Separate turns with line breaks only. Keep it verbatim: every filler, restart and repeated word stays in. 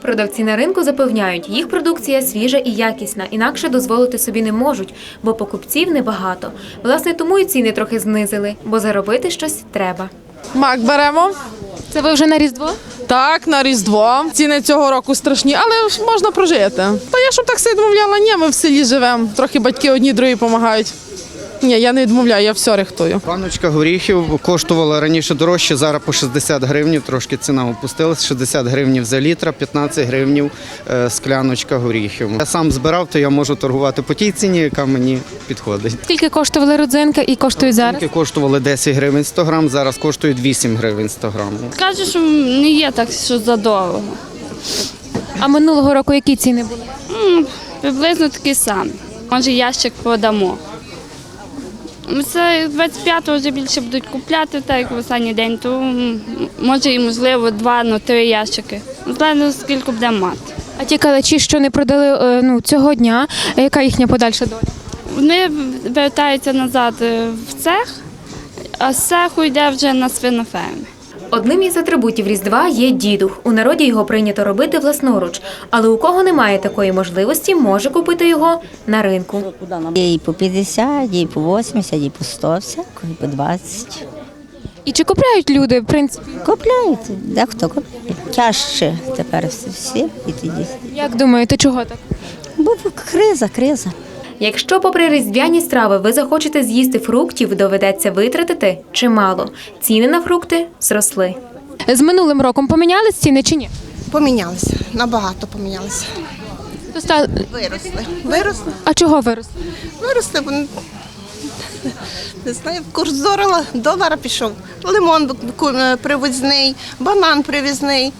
Продавці на ринку запевняють, їх продукція свіжа і якісна, інакше дозволити собі не можуть, бо покупців небагато. Власне, тому і ціни трохи знизили, бо заробити щось треба.
Мак беремо.
Це ви вже на Різдво?
Так, на Різдво. Ціни цього року страшні, але ж можна прожити. Та я щоб так все відмовляла, ні, ми в селі живемо. Трохи батьки одні, другі допомагають. Ні, я не відмовляю, я все рихтую.
Баночка горіхів коштувала раніше дорожче, зараз по шістдесят гривень, трошки ціна опустилась, шістдесят гривень за літр, п'ятнадцять гривень скляночка горіхів. Я сам збирав, то я можу торгувати по тій ціні, яка мені підходить.
Скільки коштували родзинки і коштують зараз?
Банки коштували десять гривень сто грам, зараз коштують вісім гривень сто грам.
Кажуть, що не є так, що задорого.
А минулого року які ціни були?
М, Приблизно такі самі. Може, ящик продамо. Це двадцять п'ятого вже більше будуть купляти, так як в останній день, то м, може і можливо два, ну три ящики. Залежно скільки буде мати.
А ті калачі, що не продали ну, цього дня, яка їхня подальша доля?
Вони вертаються назад в цех, а з цеху йде вже на свиноферми.
Одним із атрибутів Різдва є дідух. У народі його прийнято робити власноруч. Але у кого немає такої можливості, може купити його на ринку.
Є і по п'ятдесят, є і по вісімдесят, і по сто, всяко, і по двадцять.
І чи купляють люди, в принципі?
Купляють, дехто купляє. Тяжче тепер всі, всі і тоді.
Як думаєте, чого так?
Бо криза, криза.
Якщо попри різдвяні страви ви захочете з'їсти фруктів, доведеться витратити чимало. Ціни на фрукти зросли. З минулим роком помінялись ціни чи ні?
Помінялися, набагато помінялися. Виросли. Виросли.
А чого виросли?
Виросли, бо не знаю, курс долара, долара пішов. Лимон привозний, банан привізний.